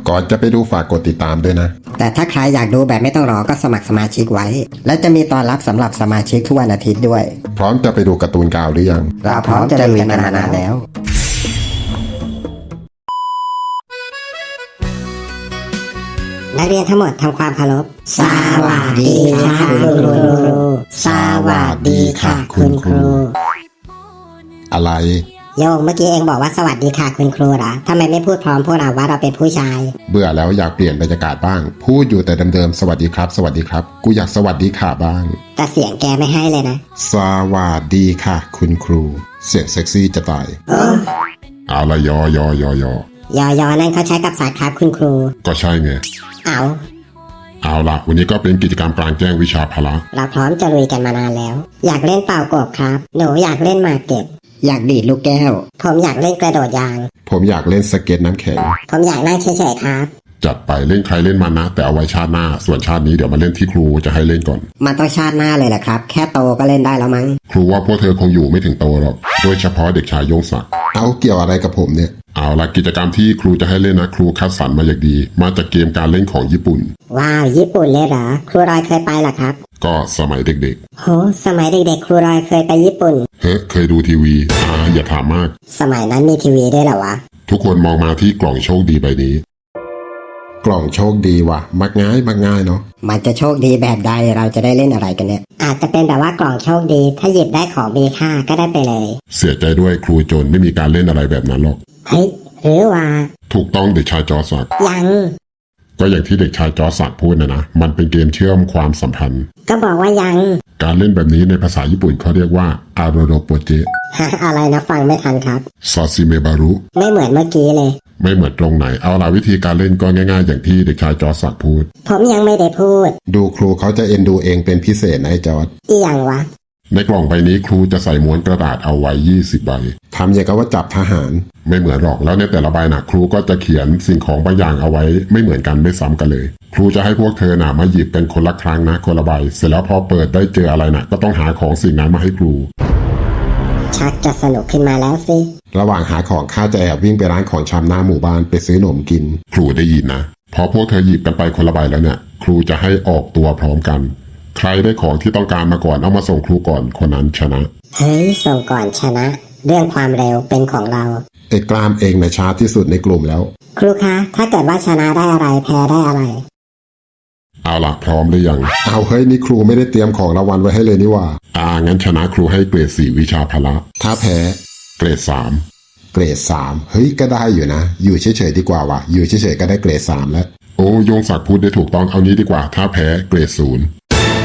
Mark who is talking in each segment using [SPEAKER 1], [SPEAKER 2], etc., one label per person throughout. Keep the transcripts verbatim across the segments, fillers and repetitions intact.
[SPEAKER 1] ก่อนจะไปดูฝากกดติดตามด้วยนะ
[SPEAKER 2] แต่ถ้าใครอยากดูแบบไม่ต้องรอก็สมัครสมาชิกไว้และจะมีตอนรับสำหรับสมาชิกทุกวันอาทิตย์ด้วย
[SPEAKER 1] พร้อมจะไปดูการ์ตูนกาวหรือยัง
[SPEAKER 2] เราพร้อมจะลุยกันมานานแล้วนักเรียนทั้งหมดทำความเคารพสวัสดีค่ะคุณครูสวัสดีค่ะคุณครู
[SPEAKER 1] อะไร
[SPEAKER 2] โยงเมื่อกี้เองบอกว่าสวัสดีค่ะคุณครูเหรอทำไมไม่พูดพร้อมพวกเราว่าเราเป็นผู้ชาย
[SPEAKER 1] เบื่อแล้วอยากเปลี่ยนบรรยากาศบ้างพูดอยู่แต่เดิมๆสวัสดีครับสวัสดีครับกูอยากสวัสดีค่ะบ้าง
[SPEAKER 2] แต่เสียงแกไม่ให้เลยนะ
[SPEAKER 1] สวัสดีค่ะคุณครูเสียงเซ็กซี่จะตายเอาละยอยอยอย
[SPEAKER 2] อยอยอนั่นเขาใช้กับสัตว์ครับคุณครู
[SPEAKER 1] ก็ใช่ไง
[SPEAKER 2] เอา
[SPEAKER 1] เอาละวันนี้ก็เป็นกิจกรรมกลางแจ้งวิชาพละ
[SPEAKER 2] เราพร้อมจะลุยกันมานานแล้วอยากเล่นเป่ากบครับหนูอยากเล่นหมากเก็บอยากดีดลูกแก้วผมอยากเล่นกระโดดยาง
[SPEAKER 1] ผมอยากเล่นสเก็ตน้ำแข็ง
[SPEAKER 2] ผมอยากนั่งเฉยๆครับ
[SPEAKER 1] จัดไปเล่นใครเล่นมันนะแต่เอาไว้ชาติหน้าส่วนชาตินี้เดี๋ยวมาเล่นที่ครูจะให้เล่นก่อน
[SPEAKER 2] มันต้องชาติหน้าเลยแหละครับแค่โตก็เล่นได้แล้วมั้ง
[SPEAKER 1] ครูว่าพวกเธอคงอยู่ไม่ถึงโตหรอกโดยเฉพาะเด็กชายยงศักดิ์เอาเกี่ยวอะไรกับผมเนี่ยเอาละกิจกรรมที่ครูจะให้เล่นนะครูคัดสรรมาอย่างดีมาจากเกมการเล่นของญี่ปุ่น
[SPEAKER 2] ว้าวญี่ปุ่นเลยเหรอครูรอยเคยไปหรอครับ
[SPEAKER 1] ก็สมัยเด็ก
[SPEAKER 2] ๆโหสมัยเด็กๆครูรอยเคยไปญี่ปุ่น
[SPEAKER 1] เฮ้เคยดูทีวีอ่าอย่าถามมาก
[SPEAKER 2] สมัยนั้นมีทีวีด้วยเหรอวะ
[SPEAKER 1] ทุกคนมองมาที่กล่องโชคดีใบนี้กล่องโชคดีว่ะมักง่ายมักง่ายเนาะ
[SPEAKER 2] มันจะโชคดีแบบใดเราจะได้เล่นอะไรกันเนี่ยอาจจะเป็นแบบว่ากล่องโชคดีถ้าหยิบได้ของมีค่าก็ได้ไปเลย
[SPEAKER 1] เสียใจด้วยครูโจรไม่มีการเล่นอะไรแบบนั้นหรอก
[SPEAKER 2] เฮ้ยหรือว่า
[SPEAKER 1] ถูกต้องเด็กชายจอศักดิ์
[SPEAKER 2] ยัง
[SPEAKER 1] ก็อย่างที่เด็กชายจอศักดิ์พูดนะนะมันเป็นเกมเชื่อมความสัมพันธ์
[SPEAKER 2] ก็บอกว่ายัง
[SPEAKER 1] การเล่นแบบนี้ในภาษาญี่ปุ่นเขาเรียกว่าอาโรโรโปเจ
[SPEAKER 2] ฮะอะไรนะฟังไม่ทันครับ
[SPEAKER 1] ซาซิเมบารุ
[SPEAKER 2] ไม่เหมือนเมื่อกี้เลย
[SPEAKER 1] ไม่เหมือนตรงไหนเอาล่ะวิธีการเล่นก็ง่ายๆอย่างที่เด็กชายจอศักดิ์พูด
[SPEAKER 2] ผมยังไม่ได้พูด
[SPEAKER 1] ดูครูเขาจะเอ็นดูเองเป็นพิเศษนะไอ้จอร์จ
[SPEAKER 2] อีหยังวะ
[SPEAKER 1] ในกล่องใบนี้ครูจะใส่ม้วนกระดาษเอาไว้ยี่สิบใบทำอย่างกับว่าจับทหารไม่เหมือนหรอกแล้วในแต่ละใบนะครูก็จะเขียนสิ่งของบางอย่างเอาไว้ไม่เหมือนกันไม่ซ้ำกันเลยครูจะให้พวกเธอนะมาหยิบกันคนละครั้งนะคนละใบเสร็จแล้วพอเปิดได้เจออะไรนะก็ต้องหาของสิ่งนั้นมาให้ครู
[SPEAKER 2] ชักจะสนุกขึ้นมาแล้วสิ
[SPEAKER 1] ระหว่างหาของข้าจะแอบวิ่งไปร้านของชำหน้าหมู่บ้านไปซื้อขนมกินครูได้ยินนะพอพวกเธอหยิบกันไปคนละใบแล้วเนี่ยครูจะให้ออกตัวพร้อมกันใครได้ของที่ต้องการมาก่อนเอามาส่งครูก่อนคนนั้นชนะ
[SPEAKER 2] เฮ้ยส่งก่อนชนะเรื่องความเร็วเป็นของเรา
[SPEAKER 1] ไอ้กล้ามเองในช้าที่สุดในกลุ่มแล้ว
[SPEAKER 2] ครูคะถ้าเกิดว่าชนะได้อะไรแพ้ได้อะไร
[SPEAKER 1] เอาล่ะพร้อมหรือยังเอาเฮ้ยนี่ครูไม่ได้เตรียมของรางวัลไว้ให้เลยนี่ว่าอ่างั้นชนะครูให้เกรดสี่วิชาพละถ้าแพ้เกรดสามเกรดสามเฮ้ยก็ได้อยู่นะอยู่เฉยๆดีกว่าว่ะอยู่เฉยๆก็ได้เกรดสามแล้วโอ้ยงศักดิ์พูดได้ถูกต้องเอานี้ดีกว่าถ้าแพ้เกรดศูนย์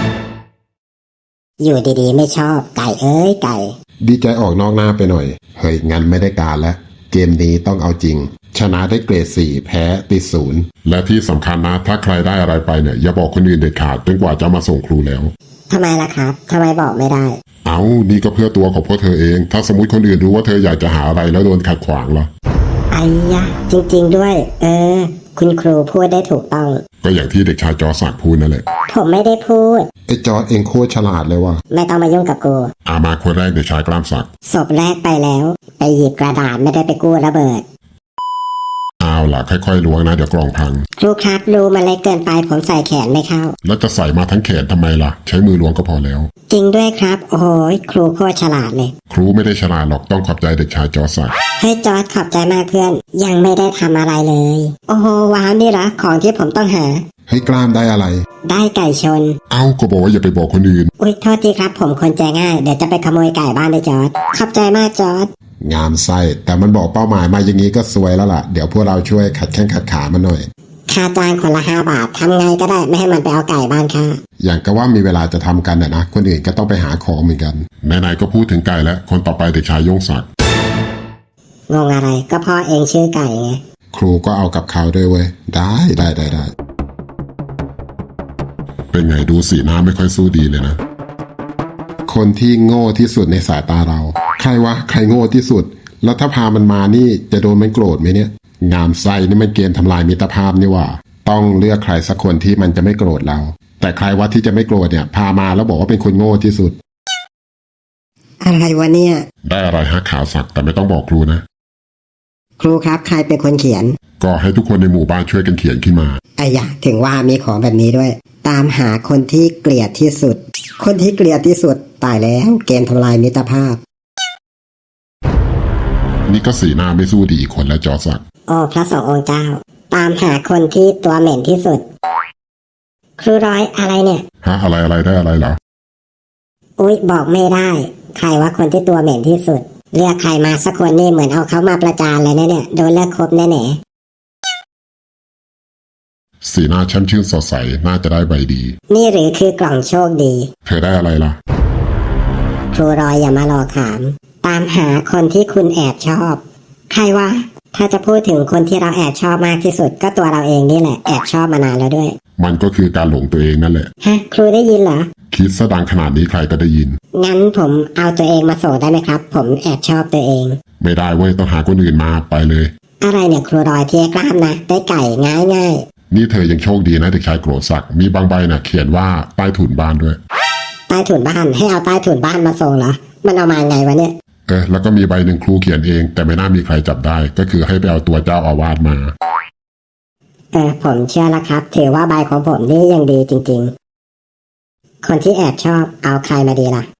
[SPEAKER 2] อยู่ดีๆไม่ชอบไก่เอ้ยไก่
[SPEAKER 1] ดีใจออกนอกหน้าไปหน่อยเฮ้ยงั้นไม่ได้การแล้วเกมนี้ต้องเอาจริงชนะได้เกรดสี่แพ้ติดศูนย์และที่สำคัญนะถ้าใครได้อะไรไปเนี่ยอย่าบอกคนอื่นเด็ดขาดจนกว่าจะมาส่งครูแล้ว
[SPEAKER 2] ทำไมล่ะครับทำไมบอกไม่ได้
[SPEAKER 1] เอานี่ก็เพื่อตัวของพวกเธอเองถ้าสมมติคนอื่นรู้ว่าเธออยากจะหาอะไรแล้วโดนขัดขวางล่ะ
[SPEAKER 2] ไอ้ยะจริงๆด้วยเออคุณครูพูดได้ถูกต้อง
[SPEAKER 1] ก็อย่างที่เด็กชายจอศักดิ์พูดนั่นแหละ
[SPEAKER 2] ผมไม่ได้พูด
[SPEAKER 1] ไอ้จอเองโคตรฉลาดเลยว่ะ
[SPEAKER 2] ไม่ต้องมายุ่งกับกู
[SPEAKER 1] อามาคนแรกเด็กชายกล้ามศักดิ์
[SPEAKER 2] ศพแรกไปแล้วไปหยิบกระดาษไม่ได้ไปกู้ระเบิด
[SPEAKER 1] เอาล่ะค่อยๆล้วงนะเดี๋ยวกล่องพัง
[SPEAKER 2] ครูครับรูมันเล็กเกินไปผมใส่แขนไม่เข้า
[SPEAKER 1] แล้วจะใส่มาทั้งแขนทำไมล่ะใช้มือล้วงก็พอแล้ว
[SPEAKER 2] จริงด้วยครับโอ้ยครูโคตรฉลาดเลย
[SPEAKER 1] ครูไม่ได้ฉลาดหรอกต้องขอบใจเด็กชายจอศักดิ์
[SPEAKER 2] เฮ้ยจอร์จขอบใจมากเพื่อนยังไม่ได้ทำอะไรเลยโอ้โหว้าวนี่เหรอของที่ผมต้องหา
[SPEAKER 1] เฮ้ยกล้ามได้อะไร
[SPEAKER 2] ได้ไก่ชน
[SPEAKER 1] เอ้าก็บอกว่าอย่าไปบอกคนอื่น
[SPEAKER 2] อุ๊ยโทษทีครับผมคนใจง่ายเดี๋ยวจะไปขโมยไก่บ้านเลยจอร์จขอบใจมากจอร์จ
[SPEAKER 1] งามไส้แต่มันบอกเป้าหมายมาอย่างนี้ก็สวยแล้วล่ะเดี๋ยวพวกเราช่วยขัดแข้งขัดขามันหน่อย
[SPEAKER 2] ค่าจ้างคนละห้าบาททำไงก็ได้ไม่ให้มันไปเอาไก่บ้านค่ะ
[SPEAKER 1] อย่างก็ว่ามีเวลาจะทำกันนะนะคนอื่นก็ต้องไปหาของเหมือนกันไหนๆก็พูดถึงไก่แล้วคนต่อไปเด็กชายยงศักดิ์
[SPEAKER 2] งงอะไรก็พ่อเองชื่อไก่ไง
[SPEAKER 1] ครูก็เอากับเขาด้วยเว้ยได้ได้ได้ได้เป็นไงดูสีหน้าไม่ค่อยสู้ดีเลยนะคนที่โง่ที่สุดในสายตาเราใครวะใครโง่ที่สุดแล้วถ้าพามันมานี่จะโดนมันโกรธไหมเนี่ยงามไส้นี่มันเกมทำลายมิตรภาพนี่ว่าต้องเลือกใครสักคนที่มันจะไม่โกรธเราแต่ใครวะที่จะไม่โกรธเนี่ยพามาแล้วบอกว่าเป็นคนโง่ที่สุด
[SPEAKER 2] อะไรวะเนี่ย
[SPEAKER 1] ได้อะไรฮะข่าวสักแต่ไม่ต้องบอกครูนะ
[SPEAKER 2] ครูครับใครเป็นคนเขียน
[SPEAKER 1] ก็ให้ทุกคนในหมู่บ้านช่วยกันเขียนขึ้นมา
[SPEAKER 2] ไอ้ยะถึงว่ามีของแบบนี้ด้วย ตามหาคนที่เกลียดที่สุด คนที่เกลียดที่สุดตายแล้วเกมทำลายมิตรภาพ
[SPEAKER 1] นี่ก็สีหน้าไม่สู้ดีอีกคนแล้วจอสัก
[SPEAKER 2] โอ้พระสงฆ์องค์เจ้า ตามหาคนที่ตัวเหม็นที่สุด ครูร้อยอะไรเนี่ย
[SPEAKER 1] ฮะอะไรอะไรได้อะไรเหรอ
[SPEAKER 2] อุ๊ยบอกไม่ได้ ใครว่าคนที่ตัวเหม็นที่สุด เรียกใครมาสักคนนี่เหมือนเอาเขามาประจานเลยนะเนี่ยโดนเลิกคบแน่
[SPEAKER 1] สีหน้าแช่มชื่นสดใสน่าจะได้ใบดี
[SPEAKER 2] ๆนี่หรือคือกล่องโชคดี
[SPEAKER 1] เธอได้อะไรล่ะ
[SPEAKER 2] ครูรอยอย่ามารอถาม ตามหาคนที่คุณแอบชอบ ใครวะถ้าจะพูดถึงคนที่เราแอบชอบมากที่สุดก็ตัวเราเองนี่แหละแอบชอบมานานแล้วด้วย
[SPEAKER 1] มันก็คือการหลงตัวเองนั่นแหละ
[SPEAKER 2] ฮะครูได้ยินเหรอ
[SPEAKER 1] คิดซะดังขนาดนี้ใครก็ได้ยิน
[SPEAKER 2] งั้นผมเอาตัวเองมาส่งได้ไหมครับ ผมแอบชอบตัวเอง
[SPEAKER 1] ไม่ได้เว้ยต้องหาคนอื่นมาไปเลย
[SPEAKER 2] อะไรเนี่ยครูรอยเทียกล้ามนะได้ไก่ง่ายง่าย
[SPEAKER 1] นี่เธอยังโชคดีนะเด็กชายโกรธศักดิ์มีบางใบนะเขียนว่าใต้ถุนบ้านด้วย
[SPEAKER 2] ใต้ถุนบ้านให้เอาใต้ถุนบ้านมาส่งเหรอมันเอามาไงวะเนี่ย
[SPEAKER 1] เออแล้วก็มีใบหนึ่งครูเขียนเอง แต่ไม่น่ามีใครจับได้ ก็คือให้ไปเอาตัวเจ้าอาวาสมา
[SPEAKER 2] เออผมเชื่อแล้วครับ ถือว่าใบของผมนี่ยังดีจริงๆ คนที่แอบชอบเอาใครมาดีล่ะ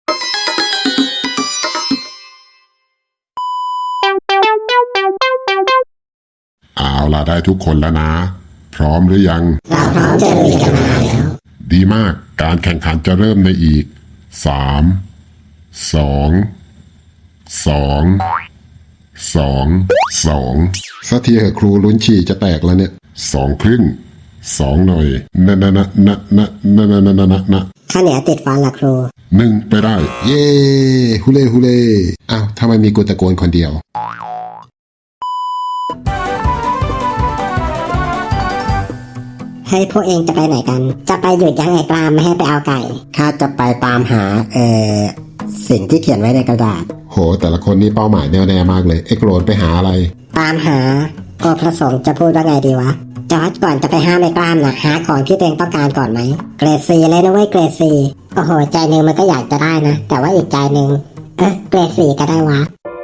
[SPEAKER 1] เอาล่ะได้ทุกคนแล้วนะ พร้อมหรือยัง
[SPEAKER 2] เราพร้อมจะลุยกันมาแล้ว
[SPEAKER 1] ดีมากการแข่งขันจะเริ่มในอีกสามสองสองสองสองสักทีเหอะครูลุ้นฉี่จะแตกแล้วเนี่ยสองครึ่งสองหน่อยนะนะนะนะนะนะนะนะนะนะ
[SPEAKER 2] ข้าวเหนียวติดฟันล่ะครู
[SPEAKER 1] หนึ่งไปได้ เย้ฮุเล่ฮุเล่อ้าวทำไมมีกูตะโกนคนเดียว
[SPEAKER 2] เฮ้ยพวกเองจะไปไหนกัน จะไปหยุดยั้งไอ้กรามไม่ให้ไปเอาไก่ ข้าจะไปตามหา เอ่อ สิ่งที่เขียนไว้ในกระดาษ
[SPEAKER 1] โหแต่ละคนนี่เป้าหมายแน่วแน่มากเลยไอ้โกรนไปหาอะไร
[SPEAKER 2] ตามหาโอพระสงฆ์จะพูดว่าไงดีวะ จอร์จก่อนจะไปห้ามไอ้กล้ามนะหาของที่ตัวเองต้องการก่อนไหม เกรดซีเลยนะเว้ยเกรดซีโอ้โห ใจหนึ่งมันก็อยากจะได้นะ แต่ว่าอีกใจหนึ่งเออเกรดซีก็ได้วะ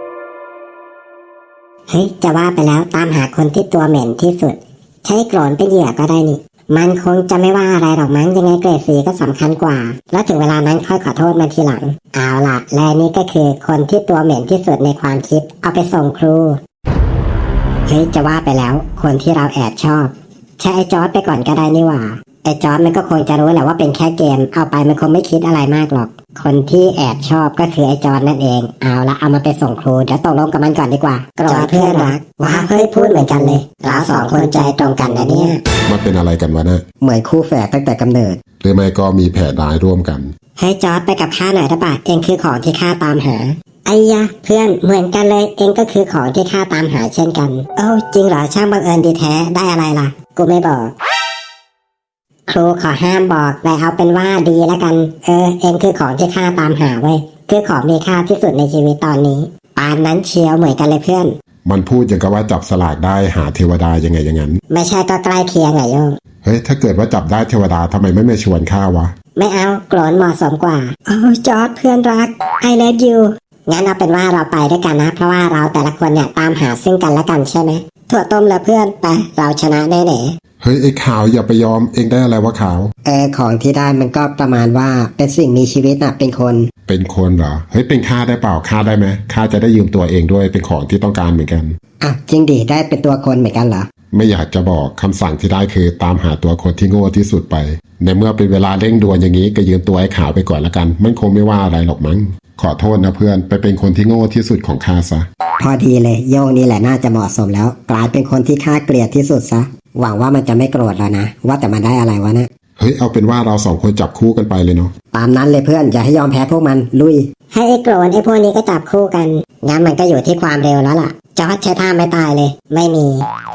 [SPEAKER 2] เฮ้ย จะว่าไปแล้วตามหาคนที่ตัวเหม็นที่สุด ใช้โกรนเป็นเหยื่อก็ได้นี่ มันคงจะไม่ว่าอะไรหรอกมั้งยังไงเกรดซีก็สำคัญกว่า แล้วถึงเวลานั้นค่อยขอโทษมันทีหลัง เอาล่ะ และนี่ก็คือคนที่ตัวเหม็นที่สุดในความคิด เอาไปส่งครู เฮ้ยจะว่าไปแล้ว คนที่เราแอบชอบ ใช้ไอ้จอร์จไปก่อนก็ได้นี่หว่า ไอ้จอร์จมันก็คงจะรู้แหละว่าเป็นแค่เกม เอาไปมันคงไม่คิดอะไรมากหรอก คนที่แอบชอบก็คือไอ้จอร์จนั่นเอง เอาละเอามาไปส่งครูเดี๋ยวตกลงกับมันก่อนดีกว่าจอร์จเพื่อนรักว้าเฮ้ยพูดเหมือนกันเลยเราสองคนใจตรงกันนะเนี่ย
[SPEAKER 1] มันเป็นอะไรกันวะนะ
[SPEAKER 2] เหมือนคู่แฝดตั้งแต่กำเนิด
[SPEAKER 1] หรือไม่ก็มีแผนร้ายร่วมกัน
[SPEAKER 2] ให้จอร์จไปกับข้าหน่อยได้ปะเองคือของที่ข้าตามหาไอ้ยะเพื่อนเหมือนกันเลยเองก็คือของที่ข้าตามหาเช่นกันโอ้จริงเหรอช่างบังเอิญดีแท้ได้อะไรล่ะ กูไม่บอก ครูขอห้ามบอกแต่เอาเป็นว่าดีแล้วกัน เออ เองคือของที่ข้าตามหาเว้ยคือของมีค่าที่สุดในชีวิตตอนนี้ปานนั้นเชียวเหมือนกันเลยเพื่อน
[SPEAKER 1] มันพูดอย่างกับว่าจับสลากได้หาเทวดายังไงอย่างนั้น
[SPEAKER 2] ไม่ใช่ก็ใกล้เคียงไงโยง
[SPEAKER 1] เฮ้ยถ้าเกิดว่าจับได้เทวดาทำไมไม่มาชวนข้าวะ
[SPEAKER 2] ไม่เอาโกรนเหมาะสมกว่าโอ้จอร์ดเพื่อนรัก I love you งั้นเอาเป็นว่าเราไปด้วยกันนะเพราะว่าเราแต่ละคนเนี่ยตามหาซึ่งกันและกันใช่ไหมถั่วต้มและเพื่อนไปเราชนะแน่ๆ
[SPEAKER 1] เฮ้ยไอ้ขาวอย่าไปยอมเองได้อะไรวะขาว
[SPEAKER 2] เออของที่ได้มันก็ประมาณว่าเป็นสิ่งมีชีวิตน่ะเป็นคน
[SPEAKER 1] เป็นคนเหรอเฮ้ยเป็นข้าได้เปล่าข้าได้ไหมข้าจะได้ยืมตัวเองด้วยเป็นของที่ต้องการเหมือนกัน
[SPEAKER 2] อ่ะจริงดิได้เป็นตัวคนเหมือนกันเหรอ
[SPEAKER 1] ไม่อยากจะบอกคำสั่งที่ได้คือตามหาตัวคนที่โง่ที่สุดไปในเมื่อเป็นเวลาเร่งด่วนอย่างนี้ก็ยืมตัวไอ้ขาวไปก่อนละกันมันคงไม่ว่าอะไรหรอกมั้งขอโทษนะเพื่อนไปเป็นคนที่โง่ที่สุดของข้าซะ
[SPEAKER 2] พอดีเลยโยงนี่แหละน่าจะเหมาะสมแล้วกลายเป็นคนที่ข้าเกลียดที่สุดซะหวังว่ามันจะไม่โกรธแล้วนะว่าแต่มันได้อะไรวะนะ
[SPEAKER 1] เฮ้ยเอาเป็นว่าเราสองคนจับคู่กันไปเลยเนาะ
[SPEAKER 2] ตามนั้นเลยเพื่อนอย่าให้ยอมแพ้พวกมันลุยให้ไอ้โกรธไอ้พวกนี้ก็จับคู่กันงั้นมันก็อยู่ที่ความเร็วแล้วล่ะจอร์จใช้ท่าไม่ตายเลยไม่มี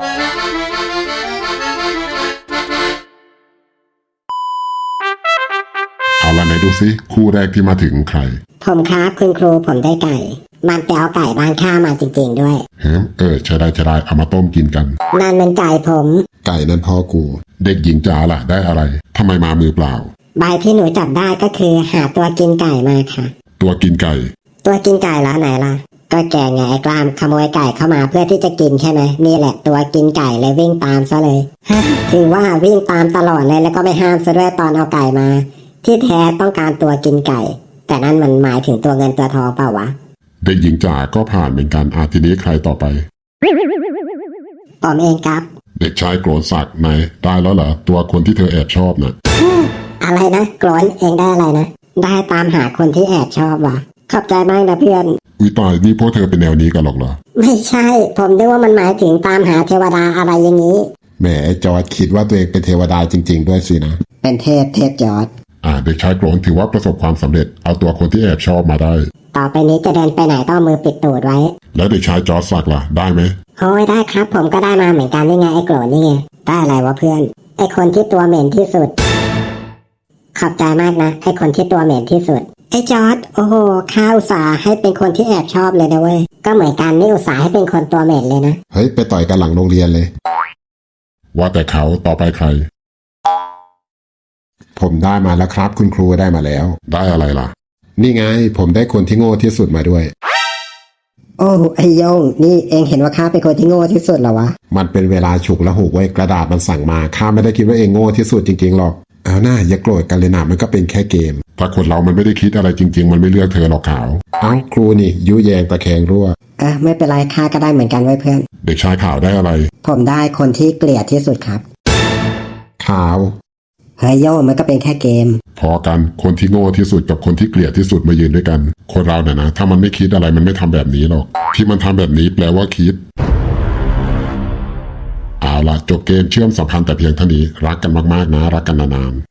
[SPEAKER 1] เอาละไหนดูซิคู่แรกที่มาถึงใคร
[SPEAKER 2] ผมครับคุณครูผมได้ไก่ มันไปเอาไก่บ้านข้ามาจริงๆด้วย
[SPEAKER 1] เฮ้ยเออใช่ได้ใช่ได้เอามาต้มกินกัน
[SPEAKER 2] นั่นมันไก่ผม
[SPEAKER 1] ไก่นั่นพ่อกู เด็กหญิงจ๋าล่ะได้อะไรทำไมมามือเปล่า
[SPEAKER 2] ใบที่หนูจับได้ก็คือหาตัวกินไก่มาค่ะ
[SPEAKER 1] ตัวกินไก่
[SPEAKER 2] ตัวกินไก่แล้วไหนล่ะก็แกไงไอ้กล้ามขโมยไก่เข้ามาเพื่อที่จะกินใช่ไหมนี่แหละตัวกินไก่เลยวิ่งตามซะเลยฮะถึงว่าวิ่งตามตลอดเลยแล้วก็ไม่ห้ามซะด้วยตอนเอาไก่มา ที่แท้ต้องการตัวกินไก่ แต่นั่นมันหมายถึงตัวเงินตัวทองเปล่าวะ
[SPEAKER 1] เด็กหญิงจ๋าก็ผ่านเหมือนกันอาทีนี้ใครต่อไป
[SPEAKER 2] ผมเองครับ
[SPEAKER 1] เด็กชายโกรธศักดิ์ไหนได้แล้วเหรอตัวคนที่เธอแอบชอบน่ะ
[SPEAKER 2] อะไรนะโกรนเองได้อะไรนะได้ตามหาคนที่แอบชอบว่ะขอบใจมากนะเพื่อน
[SPEAKER 1] อุ้ยตายนี่พวกเธอเป็นแนวนี้กันหรอกเหรอ
[SPEAKER 2] ไม่ใช่ ผมนึกว่ามันหมายถึงตามหาเทวดาอะไรอย่างนี้
[SPEAKER 1] แหมไอ้จอร์ดคิดว่าตัวเองเป็นเทวดาจริง ๆ ด้วยสินะ
[SPEAKER 2] เป็นเทพเทพจอร์ด
[SPEAKER 1] อ่าเด็กชายโกรธถือว่าประสบความสำเร็จเอาตัวคนที่แอบชอบมาได้
[SPEAKER 2] ต่อไปนี้จะเดินไปไหนต้องเอามือปิดตูดไว้
[SPEAKER 1] แล้วเด็กชายจอร์ดศักดิ์ล่ะได้ไหม
[SPEAKER 2] โอ้ยได้ครับ ผมก็ได้มาเหมือนกันนี่ไงไอ้โกรนนี่ไงได้อะไรวะเพื่อนไอ้คนที่ตัวเหม็นที่สุด ขอบใจมากนะไอ้คนที่ตัวเหม็นที่สุดไอ้จอร์ดโอ้โหข้าอุตส่าห์ให้เป็นคนที่แอบชอบเลยนะเว้ยก็เหมือนกันนี่อุตส่าห์ให้เป็นคนตัวเหม็นเลยนะ
[SPEAKER 1] เฮ้ยไปต่อยกันหลังโรงเรียนเลย ว่าแต่เขาต่อไปใคร ผมได้มาแล้วครับ คุณครูได้มาแล้ว ได้อะไรล่ะ นี่ไง ผมได้คนที่โง่ที่สุดมาด้วย
[SPEAKER 2] โอ้ไอ้โยงนี่เองเห็นว่าข้าเป็นคนที่โง่ที่สุดเหรอวะ
[SPEAKER 1] มันเป็นเวลาฉุกละหุกไว้กระดาษมันสั่งมาข้าไม่ได้คิดว่าเองโง่ที่สุดจริงๆหรอกเอาหน้าอย่าโกรธกันเลยนะมันก็เป็นแค่เกม ถ้าคนเรามันไม่ได้คิดอะไรจริง ๆ มันไม่เลือกเธอหรอกขาวเอ้าครูนี่ยุแยงตะแคงรั่ว
[SPEAKER 2] เออไม่เป็นไรข้าก็ได้เหมือนกันไว้เพื่อน
[SPEAKER 1] เด็กชายขาวได้อะไร
[SPEAKER 2] ผมได้คนที่เกลียดที่สุดครับ
[SPEAKER 1] ขาว
[SPEAKER 2] เฮ้ยโยงมันก็เป็นแค่เกม
[SPEAKER 1] พอกันคนที่โง่ที่สุดกับคนที่เกลียดที่สุดมายืนด้วยกัน คนเราเนี่ยนะถ้ามันไม่คิดอะไรมันไม่ทำแบบนี้หรอกที่มันทำแบบนี้แปลว่าคิดเอาล่ะจบเกมเชื่อมสัมพันธ์แต่เพียงเท่านี้รักกันมากๆนะรักกันนานๆ